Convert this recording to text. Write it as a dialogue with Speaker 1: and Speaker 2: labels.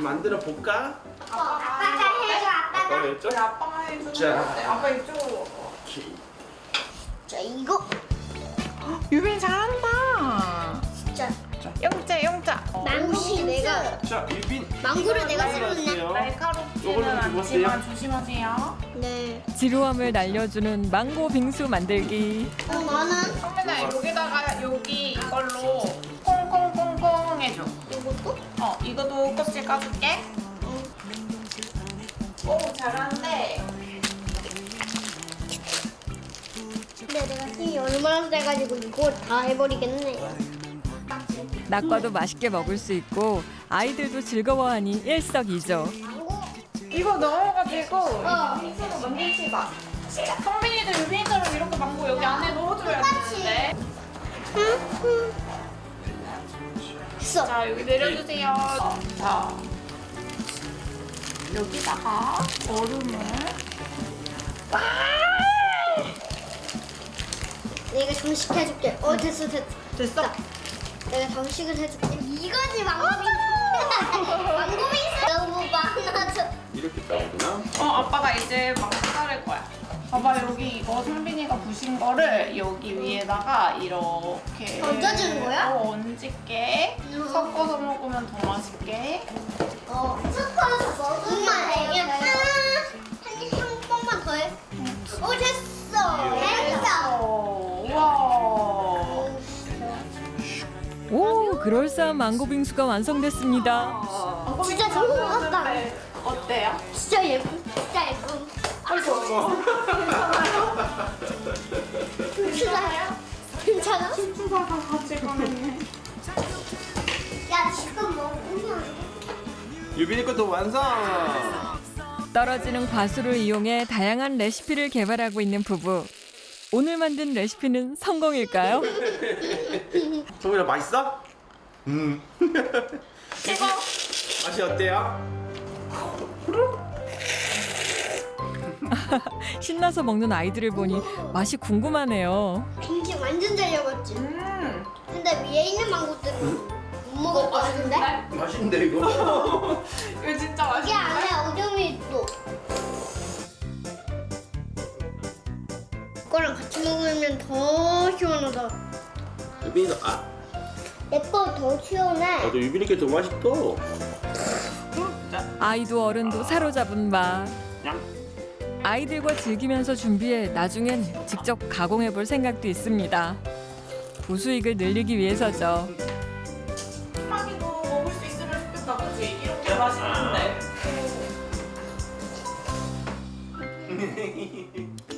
Speaker 1: 만들어 볼까?
Speaker 2: 아빠가 해줘.
Speaker 1: 아빠가
Speaker 2: 아빠가.
Speaker 1: 했죠?
Speaker 3: 아빠가 해주는
Speaker 1: 자.
Speaker 3: 거 어때? 아빠 이쪽으로 와봐.
Speaker 1: 오케이.
Speaker 2: 자 이거
Speaker 3: 유빈이 잘한다.
Speaker 2: 진짜
Speaker 3: 영자.
Speaker 2: 망고 내가
Speaker 1: 자, 유빈.
Speaker 2: 망고를 내가 씹었네.
Speaker 1: 요거는
Speaker 3: 날카롭지는
Speaker 1: 좀
Speaker 3: 않지만 조심하세요.
Speaker 2: 네.
Speaker 4: 지루함을 날려주는 망고 빙수 만들기.
Speaker 2: 나는
Speaker 3: 성민아 여기다가 여기 이걸로 콩콩콩콩 해줘.
Speaker 2: 이것도.
Speaker 3: 이것도 껍질 까줄게. 오 잘하는데.
Speaker 2: 근데 내가 힘이 얼마나 돼가지고 이거 다 해버리겠네.
Speaker 4: 낮과도 맛있게 먹을 수 있고 아이들도 즐거워하니 일석이조.
Speaker 2: 망고.
Speaker 3: 이거 넣어가지고
Speaker 2: 어.
Speaker 3: 손으로 만들지 마. 성빈이도 유빈이처럼 이렇게 망고 여기 안에 넣어줘야 되는데.
Speaker 2: 됐어.
Speaker 3: 자 여기 내려주세요. 자 여기다가 얼음을.
Speaker 2: 내가 정식 해줄게. 됐어.
Speaker 3: 됐어?
Speaker 2: 내가 정식을 해줄게. 이거지 망고빙수. 망고빙수 너무 많아져.
Speaker 1: 이렇게 따르구나.
Speaker 3: 아빠가 이제 막 자를 거야. 봐봐 여기 이거 성빈이가 부신 거를 여기 위에다가 이렇게
Speaker 2: 얹어주는 거야?
Speaker 3: 얹을게. 섞어서 먹으면 더 맛있게.
Speaker 2: 섞어서 먹으면 되겠다. 한 번만 더 해. 됐어. 됐어.
Speaker 3: 우와.
Speaker 4: 오, 그럴싸한 망고 빙수가 완성됐습니다.
Speaker 2: 진짜 좋은 것 같다.
Speaker 3: 어때요?
Speaker 2: 진짜 예쁨. 진짜 예쁨. 괜찮아요? 괜찮아?
Speaker 3: 춤추다가 같이 가네.
Speaker 2: 야 지금 먹으면
Speaker 1: 유빈이 것도 완성.
Speaker 4: 떨어지는 과수를 이용해 다양한 레시피를 개발하고 있는 부부. 오늘 만든 레시피는 성공일까요?
Speaker 1: 성민아 맛있어?
Speaker 3: 최고.
Speaker 1: 맛이 어때요?
Speaker 4: 신나서 먹는 아이들을 보니 맛이 궁금하네요.
Speaker 2: 김치 완전 잘 익었지? 근데 위에 있는 망고들은 못 먹을 것 같은데?
Speaker 1: 맛있는데 이거?
Speaker 3: 이거 진짜
Speaker 2: 이게
Speaker 3: 맛있는데?
Speaker 2: 안에 얼음이 또 이거랑 같이 먹으면 더 시원하다.
Speaker 1: 유빈이도
Speaker 2: 내 거 더 시원해.
Speaker 1: 나도 유빈이 게 더 맛있어.
Speaker 4: 아이도 어른도 사로잡은 맛. 아이들과 즐기면서 준비해 나중엔 직접 가공해 볼 생각도 있습니다. 부수익을 늘리기 위해서죠.
Speaker 3: 하기도 먹을 수 있으면 좋겠다, 그치? 이렇게 맛있는데.